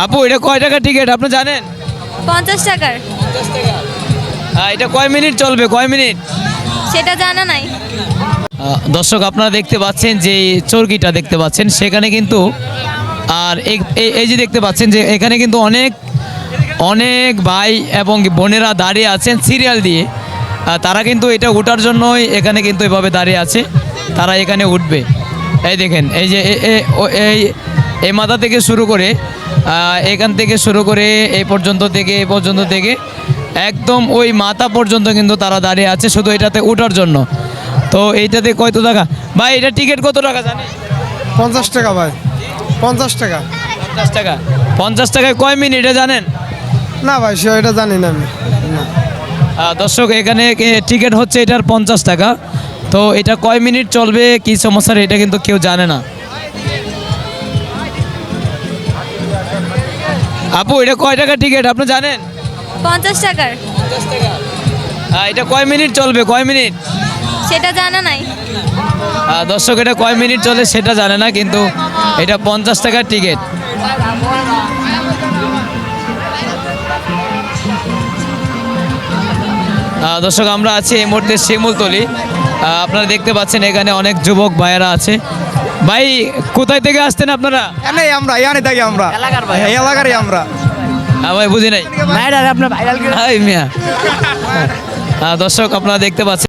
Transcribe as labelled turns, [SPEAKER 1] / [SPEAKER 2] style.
[SPEAKER 1] আপু এটা কয় টাকা টিকিট আপনি জানেন?
[SPEAKER 2] 50 টাকার।
[SPEAKER 1] 50 টাকা। এটা কয় মিনিট চলবে, কয় মিনিট?
[SPEAKER 2] সেটা জানা নাই।
[SPEAKER 1] দর্শক আপনারা দেখতে পাচ্ছেন যে চরকিটা দেখতে পাচ্ছেন সেখানে কিন্তু আর এই যে দেখতে পাচ্ছেন যে এখানে কিন্তু অনেক অনেক ভাই এবং বোনেরা দাঁড়িয়ে আছেন সিরিয়াল দিয়ে। তারা কিন্তু এটা ওঠার জন্যই এখানে কিন্তু এভাবে দাঁড়িয়ে আছে, তারা এখানে উঠবে। এই দেখেন এই যে এই মাথা থেকে শুরু করে এখান থেকে শুরু করে এই পর্যন্ত থেকে একদম ওই মাথা পর্যন্ত কিন্তু তারা দাঁড়িয়ে আছে শুধু এটাতে ওঠার জন্য। তো এইটাতে কত টাকা ভাই, এটা টিকিট কত টাকা জানেন?
[SPEAKER 3] 50 টাকা ভাই। 50 টাকা।
[SPEAKER 1] 50 টাকা। 50 টাকায় কয় মিনিটে জানেন?
[SPEAKER 3] না ভাই এটা জানি না আমি। না।
[SPEAKER 1] দর্শক এখানে টিকিট হচ্ছে এটার 50 টাকা। তো এটা কয় মিনিট চলবে কি সমস্যা এটা কিন্তু কেউ জানে না। আপু এটা কয় টাকা টিকিট আপনি জানেন?
[SPEAKER 2] 50 টাকার।
[SPEAKER 1] 50 টাকা। এটা কয় মিনিট চলবে, কয় মিনিট?
[SPEAKER 2] সেটা জানা নাই।
[SPEAKER 1] দর্শক এটা কয় মিনিট চলে সেটা জানে না, কিন্তু এটা 50 টাকার টিকিট। দর্শক আমরা আছি এই মুহূর্তে শিমুলতলি। আপনারা দেখতে পাচ্ছেন এখানে অনেক যুবক ভাইয়েরা আছে। ভাই কোথায় থেকে আসতেন আপনারা?
[SPEAKER 3] এনে আমরা ইয়ানে থাকি আমরা।
[SPEAKER 1] এলাকার ভাই।
[SPEAKER 3] এলাকারই আমরা।
[SPEAKER 1] ভাই বুঝি নাই।
[SPEAKER 3] আপনার ভাইরাল
[SPEAKER 1] হাই মিয়া। দর্শক আপনারা দেখতে পাচ্ছেন